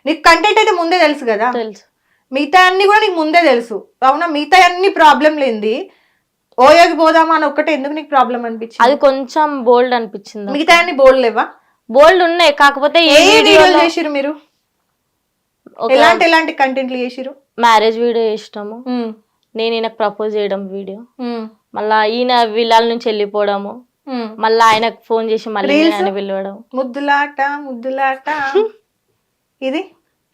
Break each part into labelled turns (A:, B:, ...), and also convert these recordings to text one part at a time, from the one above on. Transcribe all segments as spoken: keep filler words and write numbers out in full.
A: నీకు కంటెంట్ అయితే ముందే తెలుసు కదా,
B: తెలుసు.
A: మిగతా అన్ని కూడా నీకు ముందే తెలుసు అవునా. మిగతా అన్ని ప్రాబ్లం లేనిది ఓయోకి పోదామా అని ఒక్కటే ఎందుకు నీకు ప్రాబ్లం అనిపించింది?
B: అది కొంచెం బోల్డ్ అనిపించింది.
A: మిగతా అన్ని బోల్డ్ లేవా?
B: బోల్డ్ ఉన్నాయి, కాకపోతే
A: ఏ వీడియోలు చేసిరు మీరు? ఎలాంటి ఎలాంటి కంటెంట్లు చేసిరు?
B: మ్యారేజ్ వీడియో చేసినాము, నేను ఈయనకు ప్రపోజ్ చేయడం వీడియో, మళ్ళా ఈయన విల్లాల నుంచి వెళ్ళిపోవడము, మళ్ళీ ఆయనకు ఫోన్ చేసి మళ్ళీ ఆయన పిలవడం,
A: ముద్దులాట ముద్దులాట ఇది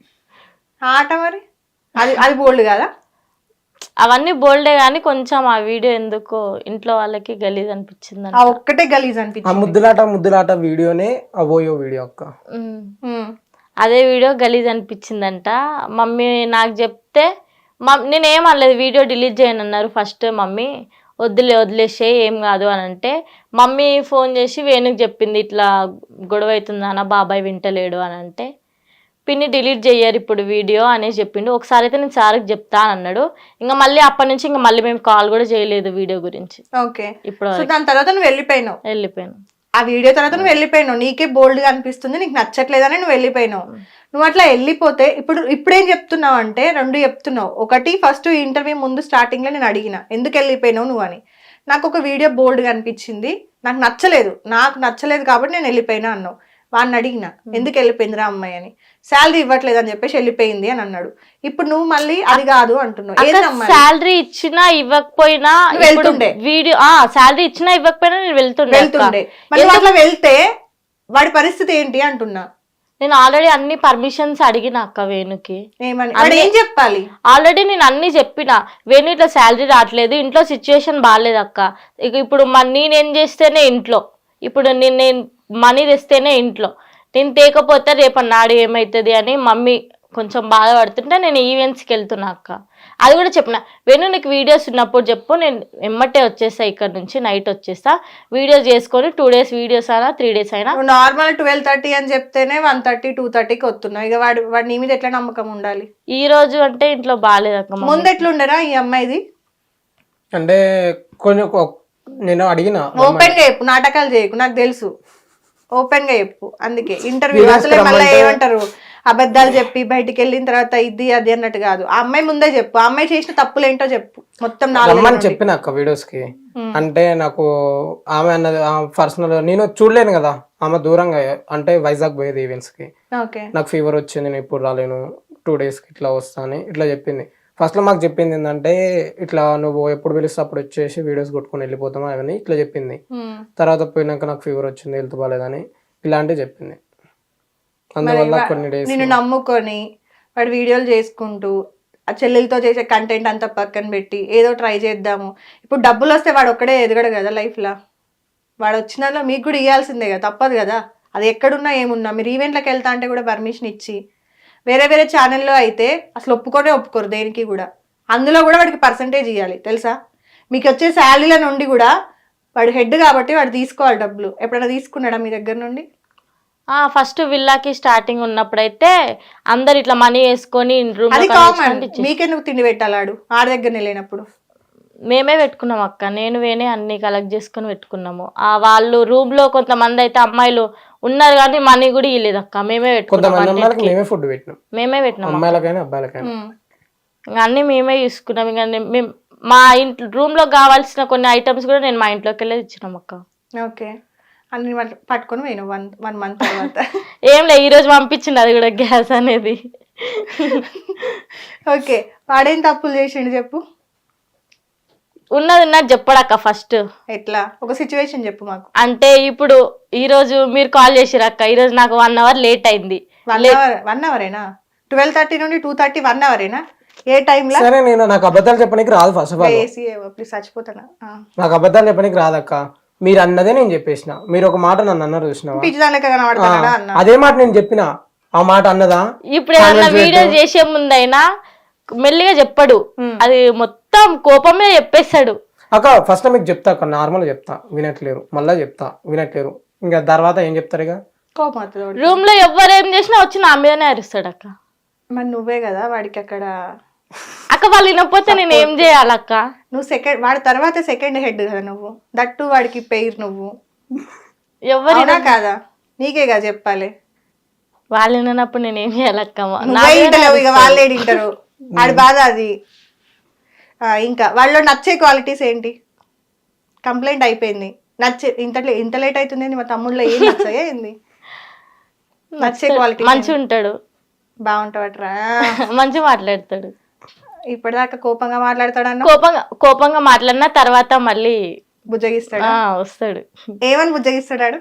A: ఆట. మరి అది అది బోల్డ్ కదా?
B: అవన్నీ బోల్డే గానీ కొంచెం ఆ వీడియో ఎందుకో ఇంట్లో వాళ్ళకి గలీజ్ అనిపించింది.
A: ఆ ఒక్కటే గలీజ్ అనిపించింది.
C: ముద్దులాట ముద్దులాట వీడియోనే ఓయో వీడియో అక్క.
B: అదే వీడియో గలీజ్ అనిపించిందంట. మమ్మీ నాకు చెప్తే నేనేం అనలేదు, వీడియో డిలీట్ చేయను అన్నారు ఫస్ట్. మమ్మీ వద్దులే వదిలేసే ఏం కాదు అని అంటే, మమ్మీ ఫోన్ చేసి వేణుకి చెప్పింది ఇట్లా గొడవ అవుతుందన్న బాబాయ్ వింటలేడు అని అంటే, పిన్ని డిలీట్ చెయ్యారు ఇప్పుడు వీడియో అనేసి చెప్పిండు. ఒకసారి అయితే నేను సార్కి చెప్తా అన్నాడు. ఇంకా మళ్ళీ అప్పటి నుంచి ఇంకా మళ్ళీ మేము కాల్ కూడా చేయలేదు వీడియో గురించి.
A: ఓకే, ఇప్పుడు దాని తర్వాత నువ్వు వెళ్ళిపోయినావు
B: వెళ్ళిపోయాను
A: ఆ వీడియో తర్వాత నువ్వు వెళ్ళిపోయినావు. నీకే బోల్డ్ గా అనిపిస్తుంది, నీకు నచ్చట్లేదని నువ్వు వెళ్ళిపోయినావు. నువ్వు అట్లా వెళ్ళిపోతే ఇప్పుడు ఇప్పుడేం చెప్తున్నావు అంటే రెండు చెప్తున్నావు. ఒకటి, ఫస్ట్ ఇంటర్వ్యూ ముందు స్టార్టింగ్ లో నేను అడిగిన ఎందుకు వెళ్ళిపోయినావు నువ్వు అని. నాకు ఒక వీడియో బోల్డ్ గా అనిపించింది, నాకు నచ్చలేదు నాకు నచ్చలేదు కాబట్టి నేను వెళ్ళిపోయినా అన్నావు. వాడిని అడిగిన ఎందుకు వెళ్ళిపోయిందిరా అమ్మాయి అని, శాలరీ ఇవ్వట్లేదు అని చెప్పేసి వెళ్ళిపోయింది అని అన్నాడు. ఇప్పుడు నువ్వు మళ్ళీ అది కాదు అంటున్నావు.
B: శాలరీ ఇచ్చినా ఇవ్వకపోయినా వెళ్తుండే వీడియో, శాలరీ ఇచ్చినా ఇవ్వకపోయినా నేను వెళ్తుండే
A: వెళ్తుండే మళ్ళీ అట్లా వెళ్తే వాడి పరిస్థితి ఏంటి అంటున్నా.
B: నేను ఆల్రెడీ అన్ని పర్మిషన్స్ అడిగిన అక్క వేణుకి.
A: ఏం చెప్పాలి?
B: ఆల్రెడీ నేను అన్ని చెప్పిన, వేణు ఇట్లా శాలరీ రావట్లేదు, ఇంట్లో సిచ్యువేషన్ బాగాలేదు అక్క, ఇక ఇప్పుడు నేనేం చేస్తేనే ఇంట్లో, ఇప్పుడు నేను నేను మనీ తెస్తేనే ఇంట్లో, నేను తేకపోతే రేపు నాడు ఏమవుతుంది అని మమ్మీ కొంచెం బాధపడుతుంటే నేను ఈవెంట్స్కి వెళ్తున్నా అక్క. అది కూడా చెప్పిన, వేణు నీకు వీడియోస్ ఉన్నప్పుడు చెప్పు, నేను ఎమ్మటే వచ్చేస్తా, ఇక్కడ నుంచి నైట్ వచ్చేస్తా, వీడియోస్ చేసుకొని టూ డేస్ వీడియోస్ అయినా త్రీ డేస్ అయినా.
A: నార్మల్ ట్వెల్వ్ థర్టీ అని చెప్తేనే వన్ థర్టీ టూ థర్టీకి వస్తున్నావు. ఇక వాడు వాడి నీ మీద ఎట్లా నమ్మకం ఉండాలి?
B: ఈ రోజు అంటే ఇంట్లో బాగాలేదు అక్క.
A: ముందు ఎట్లుండరా ఈ అమ్మాయిది?
C: అంటే కొంచెం నేను అడిగిన
A: ఓపెన్ గా చెప్పు, నాటకాలు చేయకు, నాకు తెలుసు, ఓపెన్ గా చెప్పు. అందుకే ఇంటర్వ్యూ అసలే మళ్ళీ ఏమంటారు అబద్ధాలు చెప్పి బయటికి వెళ్ళిన తర్వాత ఇది అది అన్నట్టు కాదు. ఆ అమ్మాయి ముందే చెప్పు, ఆ అమ్మాయి చేసిన తప్పులు ఏంటో చెప్పు మొత్తం.
C: రమ్మని చెప్పిన అక్క వీడియోస్ కి. అంటే నాకు ఆమె అన్నది పర్సనల్, నేను చూడలేను కదా, ఆమె దూరంగా అంటే వైజాగ్ పోయేది ఈవెంట్స్ కి, నాకు ఫీవర్ వచ్చింది నేను ఇప్పుడు రాలేను, టూ డేస్ కి ఇట్లా వస్తా అని ఇట్లా చెప్పింది. ఫస్ట్ లో మాకు చెప్పింది ఏంటంటే ఇట్లా నువ్వు ఎప్పుడు పిలిస్తే అప్పుడు వచ్చేసి వీడియోస్ కొట్టుకొని వెళ్ళిపోతామా అవన్నీ ఇట్లా చెప్పింది. తర్వాత పోయినాక నాకు ఫీవర్ వచ్చింది హెల్త్ బాగాలేదని ఇలాంటివి చెప్పింది. అందువల్ల కొన్ని డేస్
A: నేను నమ్ముకొని వాడు వీడియోలు చేసుకుంటూ ఆ చెల్లెలతో చేసే కంటెంట్ అంతా పక్కన పెట్టి ఏదో ట్రై చేద్దాము. ఇప్పుడు డబ్బులు వస్తే వాడు ఒక్కడే ఎదగడు కదా లైఫ్ లా, వాడు వచ్చిన మీకు కూడా ఇవ్వాల్సిందే కదా, తప్పదు కదా. అది ఎక్కడున్నా ఏమున్నా మీరు ఈవెంట్లకు వెళ్తా అంటే కూడా పర్మిషన్ ఇచ్చి, వేరే వేరే ఛానల్లో అయితే అసలు ఒప్పుకొనే ఒప్పుకోరు దేనికి కూడా. అందులో కూడా వాడికి పర్సంటేజ్ ఇవ్వాలి తెలుసా. మీకు వచ్చే శాలరీల నుండి కూడా వాడు హెడ్ కాబట్టి వాడు తీసుకోవాలి డబ్బులు. ఎప్పుడైనా తీసుకున్నాడా మీ దగ్గర నుండి?
B: ఫస్ట్ విల్లాకి స్టార్టింగ్ ఉన్నప్పుడైతే అందరు ఇట్లా మనీ వేసుకొని
A: అది కామన్. మీకెందుకు తిండి పెట్టాలాడు ఆడ దగ్గరనే లేనప్పుడు?
B: మేమే పెట్టుకున్నాం అక్క, నేను వేనే అన్ని కలెక్ట్ చేసుకుని పెట్టుకున్నాము. ఆ వాళ్ళు రూమ్ లో కొంతమంది అయితే అమ్మాయిలు ఉన్నారు కానీ మనీ కూడా ఇవ్వలేదు అక్క, మేమే పెట్టుకున్నాం, మేమే పెట్టినాం అన్ని మేమే తీసుకున్నాం. ఇంకా మేము మా ఇంట్లో రూమ్ లో కావాల్సిన కొన్ని ఐటమ్స్ కూడా నేను మా ఇంట్లోకి వెళ్ళి ఇచ్చినాం అక్క.
A: ఓకే, అన్ని పట్టుకొని పోయిన వన్ వన్ మంత్ తర్వాత
B: ఏం లేదు, ఈ రోజు పంపించింది అది కూడా గ్యాస్ అనేది.
A: ఓకే, వాడేం తప్పులు చేసిండు చెప్పు.
B: ఉన్నది ఉన్నది చెప్పడాక ఫస్ట్.
A: ఎట్లా? ఒక సిచ్యువేషన్ చెప్పు మాకు.
B: అంటే ఇప్పుడు ఈ రోజు మీరు కాల్ చేసిరు అక్క, ఈ రోజు నాకు వన్ అవర్ లేట్ అయింది.
A: వన్ అవర్ వన్ అవరేనా? ట్వెల్వ్ థర్టీ నుండి టూ థర్టీ వన్ అవరేనా? ఏ టైంలో?
C: సరే, నేను నాకు అబద్ధాలు చెప్పడానికి రాదు. ఫస్ట్ ఆఫ్ ఆల్
A: చచ్చిపోతానా,
C: నాకు అబద్ధాలు చెప్పడానికి రాదక్క. మీరు అన్నదే నేను చెప్పేసిన. మీరు ఒక మాట నన్ను అన్నారు చూసినావా, అదే మాట నేను చెప్పిన. ఆ మాట అన్నదా?
B: ఇప్పుడు ఏమన్నా వీడియో చేసే ముందైనా మెల్లిగా చెప్పడు, అది మొత్తం కోపమే చెప్పేస్తాడు.
C: అక్క ఫస్ట్ మీకు చెప్తా అక్క, నార్మల్ చెప్తా, వినట్లేరు, మళ్ళా చెప్తా వినట్లేరు, ఇంకా తర్వాత ఏం చెప్తారు? ఇక
B: రూమ్ లో ఎవరు ఏం చేసినా వచ్చి నా మీదనే అరుస్తాడు అక్క.
A: మరి నువ్వే కదా వాడికి అక్కడ
B: అక్క, వాళ్ళు వినకపోతే నేను ఏం చేయాలక్క?
A: నువ్వు సెకండ్, వాడి తర్వాత సెకండ్ హెడ్ కదా నువ్వు, దట్టు వాడికి పెయిర్ నువ్వు. ఎవరైనా కాదా? నీకే కదా చెప్పాలి.
B: వాళ్ళు వినప్పుడు నేను ఏం చేయాలక్కమ్మ
A: నువ్వే ఇంటలేవు ఇక వాళ్ళే తింటారు ఆడి బాధ అది. ఆ, ఇంకా వాళ్ళలో నచ్చే క్వాలిటీస్ ఏంటి? కంప్లైంట్ అయిపోయింది, నచ్చే ఇంత ఇంత లేట్ అవుతుంది మా తమ్ముళ్ళలో ఏం నచ్చాయా ఏంది? నచ్చే క్వాలిటీ
B: మంచిగా ఉంటాడు,
A: బాగుంటావట్రా,
B: మంచిగా మాట్లాడతాడు.
A: ఇప్పటిదాకా కోపంగా మాట్లాడతాడు అన్న,
B: కోపంగా కోపంగా మాట్లాడిన తర్వాత మళ్ళీ
A: బుజ్జగిస్తాడు.
B: ఆ, వస్తాడు.
A: ఏమని బుజ్జగిస్తాడు?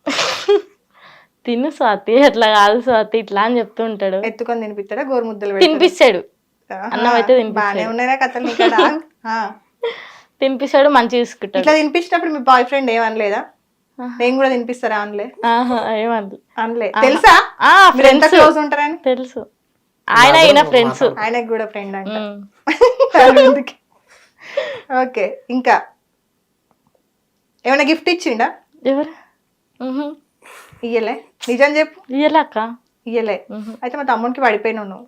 B: తిను స్వాతి, అట్లా కాదు స్వాతి ఇట్లా అని చెప్తూ ఉంటాడు.
A: ఎత్తుకొని తినిపిస్తాడా? గోరుముద్దలు
B: తినిపిస్తాడు, అన్నం అయితే
A: బాగానే ఉన్నారా కథలు ఇక్కడ?
B: తినిపిస్తాడు, మంచిగా చూసుకుంటాడు.
A: ఇట్లా తినిపించినప్పుడు మీ బాయ్ ఫ్రెండ్ ఏమనలేదా? నేను కూడా తినిపిస్తారా అనలే?
B: ఏమనలే
A: అనలే. తెలుసా మీరు ఎంత క్లోజ్ ఉంటారని?
B: తెలుసు, ఆయన ఈయన ఫ్రెండ్స్.
A: ఆయనకు కూడా ఫ్రెండ్ అంట. ఓకే, ఇంకా ఏమైనా గిఫ్ట్ ఇచ్చిండా?
B: ఎవరు
A: ఇయ్యలే? నిజం చెప్పు.
B: ఇయ్యలేక
A: ఇయ్యలే. అయితే మా తమ్ముడికి పడిపోయినావు నువ్వు.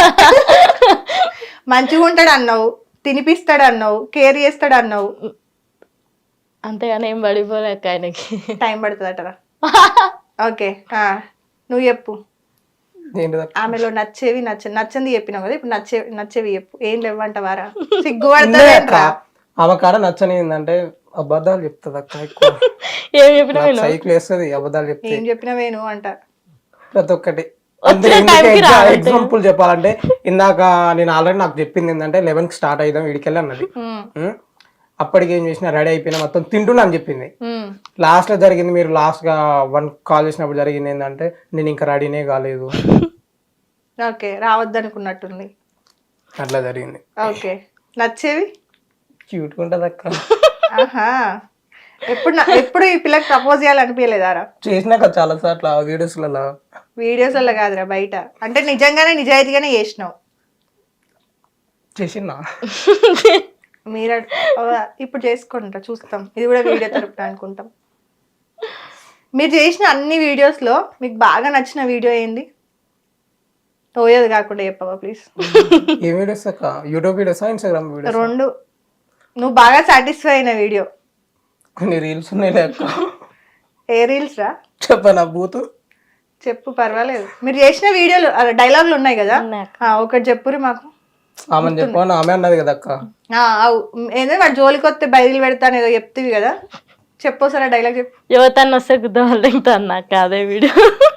A: మంచిగా ఉంటాడు అన్నావు, తినిపిస్తాడు అన్నావు, కేర్ చేస్తాడు అన్నావు,
B: అంతేగాని ఏం పడిపోలేక ఆయనకి
A: టైం పడుతుందటరా. ఓకే, నువ్వు చెప్పు. ఆమెలో నచ్చేవి నచ్చ నచ్చంది చెప్పినావు కదా, ఇప్పుడు నచ్చే నచ్చేవి చెప్పు. ఏం లేవంటవారా? సిగ్గుపడతా.
C: ఆమె కాడ నచ్చని ఏంటంటే అబద్ధాలు చెప్తుంది అక్క. ఎక్కువ
B: ఏం చెప్పినా
C: సైకిల్ వేస్తుంది, అబద్ధాలు చెప్తే.
A: ఏం చెప్పినావేను అంట
C: ప్రతి ఒక్కటి. ఎగ్జాంపుల్ చెప్పాలంటే ఇందాక నేను ఆల్రెడీ నాకు చెప్పింది ఏంటంటే లెవెన్ కి స్టార్ట్ అయిదాం వీడికెళ్ళి అన్నది. అప్పటికి ఏం చేసినా రెడీ అయిపోయినా మొత్తం తింటున్నా అని చెప్పింది. లాస్ట్ లో జరిగింది, మీరు లాస్ట్ గా వన్ కాల్ చేసినప్పుడు జరిగింది ఏంటంటే నేను ఇంకా రెడీనే కాలేదు.
A: ఓకే, రావద్దు అనుకున్నట్టుంది.
C: అట్లా జరిగింది.
A: ఓకే, నచ్చేవి
C: క్యూట్ గా ఉంటది అక్క.
A: ఆహా, ఎప్పుడు ఎప్పుడు ఈ పిల్లకి ప్రపోజ్ చేయాలనిపించలేదారా?
C: చేసినాక చాలా సార్లు వీడియోస్ లలో.
A: వీడియోస్ వల్ల కాదురా, బయట అంటే నిజంగానే నిజాయితీగానే చేసినావు.
C: చేసినా
A: మీరు ఇప్పుడు చేసుకుంటారా? చూస్తాం, ఇది కూడా వీడియో తరపున అనుకుంటాం. మీరు చేసిన అన్ని వీడియోస్ లో మీకు బాగా నచ్చిన వీడియో ఏంది? పోయేది కాకుండా చెప్పవా ప్లీజ్.
C: ఏ వీడియోస్ అక్క? యూట్యూబ్ వీడియోసా, ఇన్స్టాగ్రామ్ వీడియోస్?
A: రెండు. నువ్వు బాగా సాటిస్ఫై అయిన వీడియో?
C: కొన్ని రీల్స్ ఉన్నాయి అక్క.
A: ఏ రీల్స్ రా?
C: చెప్పనా బూతు?
A: చెప్పు, పర్వాలేదు. మీరు చేసిన వీడియోలు డైలాగులు ఉన్నాయి కదా, ఒకటి చెప్పురి మాకు.
C: ఆమె చెప్పాను, ఆమె అన్నది కదా అక్క.
A: ఏంటంటే వాడు జోలికి వస్తే బయలు పెడతాను ఏదో చెప్తివి కదా, చెప్పు సరే డైలాగ్ చెప్పు.
B: యువతను వస్తే గుద్దవాళ్ళు అన్నాక అదే వీడియో.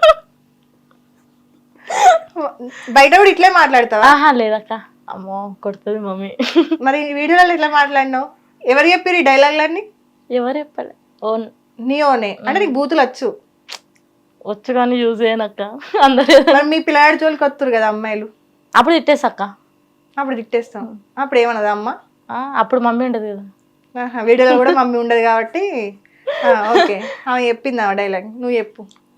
A: బయట కూడా ఇట్లే మాట్లాడతావా?
B: ఆహా లేదక్క, అమ్మో కొడుతుంది మమ్మీ.
A: మరి వీడియోలో ఇట్లా మాట్లాడినావు? ఎవరు చెప్పారు ఈ డైలాగులన్నీ?
B: ఎవరు చెప్పలే, ఓన్
A: నీ ఓనే. అంటే నీకు బూతులు వచ్చు?
B: వచ్చు కానీ యూజ్ చేయనక్క అందరూ.
A: మరి మీ పిల్లాడి జోలికి వస్తారు కదా అమ్మాయిలు,
B: అప్పుడు తిట్టేసక్క.
A: అప్పుడు తిట్టేస్తాం. అప్పుడు ఏమన్నదా అమ్మ?
B: అప్పుడు మమ్మీ ఉండదు కదా
A: వీడియోలో కూడా మమ్మీ ఉండదు కాబట్టి. ఓకే, ఆమె చెప్పింది ఆ డైలాగ్, నువ్వు చెప్పు.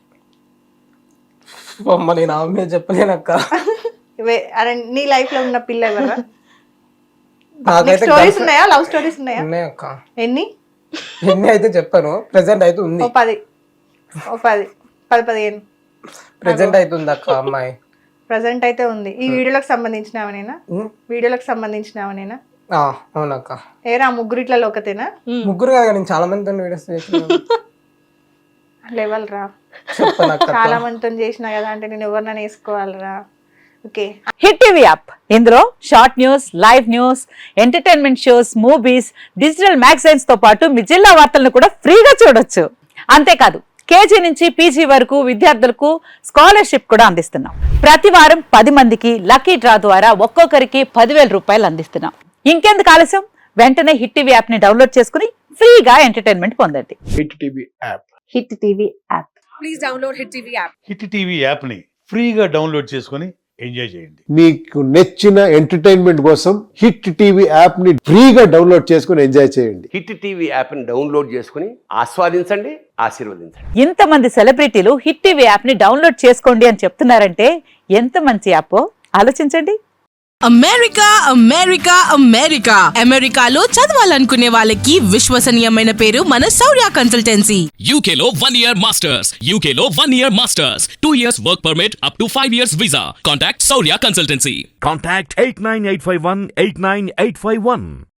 C: నేను ఆమె చెప్పలేనక్క.
A: అరే నీ లైఫ్ లో ఉన్న పిల్ల ఎవరా?
C: నాకైతే
A: స్టోరీస్ ఉన్నాయా? లవ్ స్టోరీస్ ఉన్నాయా?
C: ఉన్నాయి అక్క.
A: ఎన్ని?
C: ఎన్ని అయితే చెప్పాను, ప్రెసెంట్ అయితే ఉంది.
A: ఓ పది, ఓ పది పది పదిహేను
C: ప్రెసెంట్ అయితే ఉంది అక్క అమ్మాయి.
A: ప్రెసెంట్ అయితే ఉంది. ఈ వీడియోలకు సంబంధించినవనేనా? వీడియోలకు సంబంధించినవనేనా?
C: అవునక్క.
A: ఏరా ముగ్గురు ఇట్లా ఒకతేనా?
C: ముగ్గురు కాదు, నేను చాలా మందితో వీడియోస్ చేసిన.
A: లెవెల్ రా, చాలా మందితో చేసినా కదా, అంటే నేను ఎవరినైనా వేసుకోవాలరా. ఓకే,
D: హిట్ టీవీ యాప్, ఇందులో short news, live news, entertainment shows, movies, digital magazines తో పాటు మీ జిల్లా వార్తలను కూడా ఫ్రీగా చూడొచ్చు. అంతేకాదు కేజీ నుంచి పీజీ వరకు విద్యార్థులకు స్కాలర్షిప్ కూడా అందిస్తున్నాం. ప్రతి వారం పది మందికి లక్కీ డ్రా ద్వారా ఒక్కొక్కరికి పదివేల రూపాయలు అందిస్తున్నాం. ఇంకెందుకు ఆలస్యం, వెంటనే హిట్ టీవీ యాప్ ని డౌన్లోడ్ చేసుకుని ఫ్రీగా ఎంటర్టైన్మెంట్ పొందండి.
E: Hit TV app,
D: hit TV app,
F: please download hit TV app.
E: Hit TV app ని ఫ్రీగా డౌన్లోడ్ చేసుకుని ఎంజాయ్ చేయండి.
G: మీకు నచ్చిన ఎంటర్టైన్మెంట్ కోసం హిట్ టీవీ యాప్ ని ఫ్రీగా డౌన్లోడ్ చేసుకుని ఎంజాయ్ చేయండి.
H: హిట్ టీవీ యాప్ ని డౌన్లోడ్ చేసుకుని ఆస్వాదించండి, ఆశీర్వదించండి.
D: ఇంతమంది సెలబ్రిటీలు హిట్ టీవీ యాప్ ని డౌన్లోడ్ చేసుకోండి అని చెప్తున్నారంటే ఎంత మంచి యాప్ ఆలోచించండి.
F: అమెరికా అమెరికా అమెరికా అమెరికాలో చదవాలనుకునే వాళ్ళకి విశ్వసనీయమైన పేరు మన శౌర్య కన్సల్టెన్సీ.
I: U K లో one year masters, U K లో one year masters, two years work permit up to five years visa. Contact Saurya Consultancy.
J: Contact eight nine eight five one eight nine eight five one.